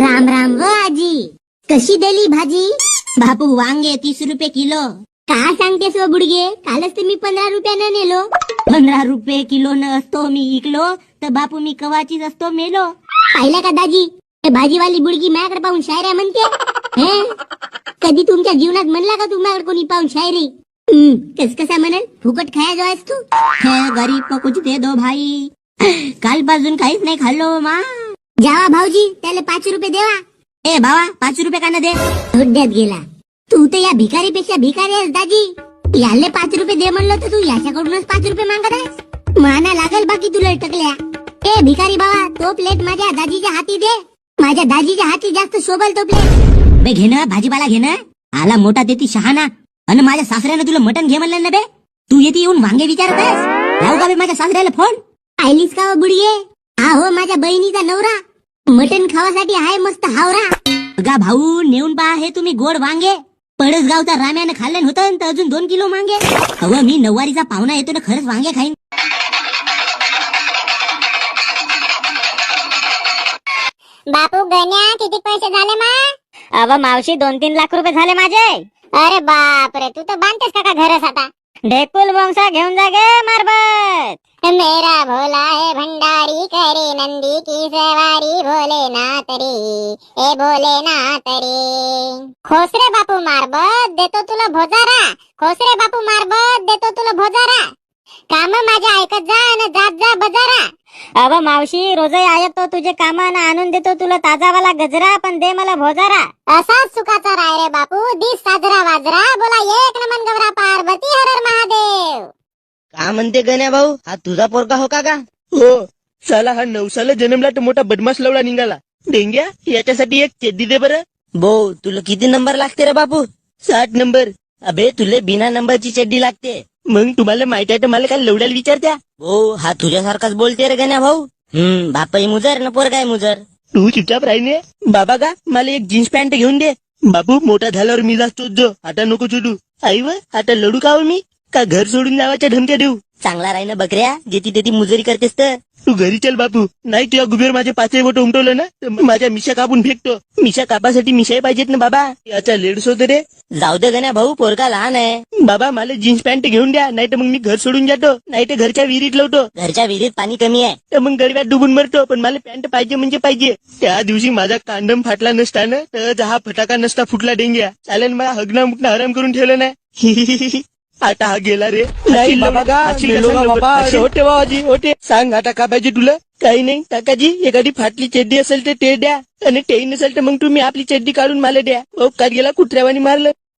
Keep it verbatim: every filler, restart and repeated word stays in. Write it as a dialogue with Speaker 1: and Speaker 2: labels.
Speaker 1: राम राम व आजी, कशी दिली भाजी? बापू वांगे तीस रुपये किलो. का सांगतेस व बुडगे, कालच तर मी पंधरा रुपयानं नेलो. पंधरा रुपये किलो न असतो मी इकलो तर बापू मी कवाचीच असतो मेलो. पाहिलं का दाजी, भाजीवाली बुडगी माझ्याकडे पाहून शायऱ्या म्हणते. हे कधी तुमच्या जीवनात म्हणला का तुम्हाला कोणी पाहून शायरी? हम्म, कस कसा म्हणेल, फुकट खाया जो आहेस तू. गरीब को कुछ दे दो भाई. कालपासून काहीच नाही खाल्लो मा. जावा भाऊजी, त्याला पाच रुपये देवा. ए भावा, पाच रुपये का न दे? धोड्यात गेला तू तर. या भिकारीपेक्षा भिकारी आहेस दाजी. याले पाच रुपये दे म्हणलं तर तू याच्याकडूनच पाच रुपये मागत आहेस. माना लागल बाकी तुला टकल्या. ए भिकारी बाबा, तो प्लेट माझ्या दाजीच्या हाती दे. माझ्या दाजीच्या हाती जास्त शोभल तो प्लेट. बे घेणं भाजीपाला घेणं. आला मोठा देती शहाणा. आणि माझ्या सासऱ्यानं तुला मटण घे म्हणलं ना बे. तू येते येऊन वांगे विचारत आहेस. लावू का बे माझ्या सासऱ्याला फोन? आयलीस का बुडगे? हा हो, माझ्या बहिणीचा नवरा मटण खावासाठी आहे मस्त हावरा. गा भाऊ, नेऊन पहा हे तुम्ही गोड वांगे. पडसगावचा राम्यानं खाल्लं होतं तर अजून दोन किलो मांगे. अव मी नववारीचा पाहुणा येतो ना, खरंच वांगे खाईन.
Speaker 2: बापू गण्या, किती पैसे झाले मा?
Speaker 1: अव मावशी, दोन तीन लाख रुपये झाले माझे.
Speaker 2: अरे बाप रे, तू तर बांधतेस का घरच आता?
Speaker 1: ढेकुल बोंगसा घेऊन जा गे मारबत.
Speaker 2: मेरा भोला है भंडारी, करे नंदी की सवारी, भोलेनाथ रे, ए भोलेनाथ रे. खोसरे बापू मारबत, देतो तुला भोजारा. खोसरे बापू मारबत, देतो तुला भोजारा. काम माझ्या ऐकत जा आणि जात जा बजारा.
Speaker 1: अव मावशी, रोजही आयतो तुझे कामानं आणून देतो तुला ताजावाला गजरा, पण दे मला भोजारा.
Speaker 2: असाच सुखाचा राय रे बापू, दिस साजरा वाजरा. बोला एक नमन गौरा पार्वती, हर हर महादेव.
Speaker 3: का म्हणते गण्या भाऊ, हा तुझा पोरगा हो का?
Speaker 4: हो, साला हा नवसाला जन्मला तर मोठा बदमाश लवडा निघाला. डेंग्या, याच्यासाठी एक चड्डी दे बरं.
Speaker 3: भाऊ, तुला किती नंबर लागते रे बापू?
Speaker 4: साठ नंबर.
Speaker 3: अबे, तुले बिना नंबरची चड्डी लागते.
Speaker 4: मग तुम्हाला माहित आहे तर मला काय लवड्याला विचारत्या?
Speaker 3: भाऊ, हा तुझ्यासारखाच बोलते रे गण्या भाऊ. हम्म, बापाई मुजर ना पोरगाय मुजर.
Speaker 4: तू चुपचाप राहीने. बाबा का, मला एक जीन्स पॅन्ट घेऊन दे. बापू, मोठा झाल्यावर मी जातो जो, आता नको छोटू. आई व, आता लढू का हो मी? का घर सोडून जावाच्या धमक्या देऊ?
Speaker 3: चांगला राही ना बकऱ्या, जेती तेती मुजरी करतेस तर.
Speaker 4: तू घरी चल बापू, नाही तुझ्या गुबेर माझे पाचही बोट उमटवलं ना तर माझ्या मिशा कापून फेकतो. मिशा कापासाठी मिशाही पाहिजेत ना बाबा. याचा लेडस होत रे.
Speaker 3: जाऊ दे गण्या भाऊ, पोरगा लहान आहे.
Speaker 4: बाबा, मला जीन्स पॅन्ट घेऊन द्या, नाही तर मग मी घर सोडून जातो, नाही तर घरच्या विहिरीत लावतो.
Speaker 3: घरच्या विहिरीत पाणी कमी आहे
Speaker 4: तर मग गरब्यात डुबून मरतो. पण मला पॅन्ट पाहिजे म्हणजे पाहिजे. त्या दिवशी माझा कांडम फाटला नसता ना तर हा फटाका नसता फुटला डेंग्या. चालेल, मला हगना मुकना हराम करून ठेवलं नाही. आता हा गेला रे.
Speaker 5: नाही बाबा का, गेलो का बाबा?
Speaker 4: होते बाबाजी, होते. सांग आता का पाहिजे तुला? काही नाही काकाजी, एखादी फाटली चड्डी असेल तर ते द्या, आणि ते नसेल तर मग तुम्ही आपली चड्डी काढून मला द्या. ओ, का गेला कुत्र्यावानी मारलं.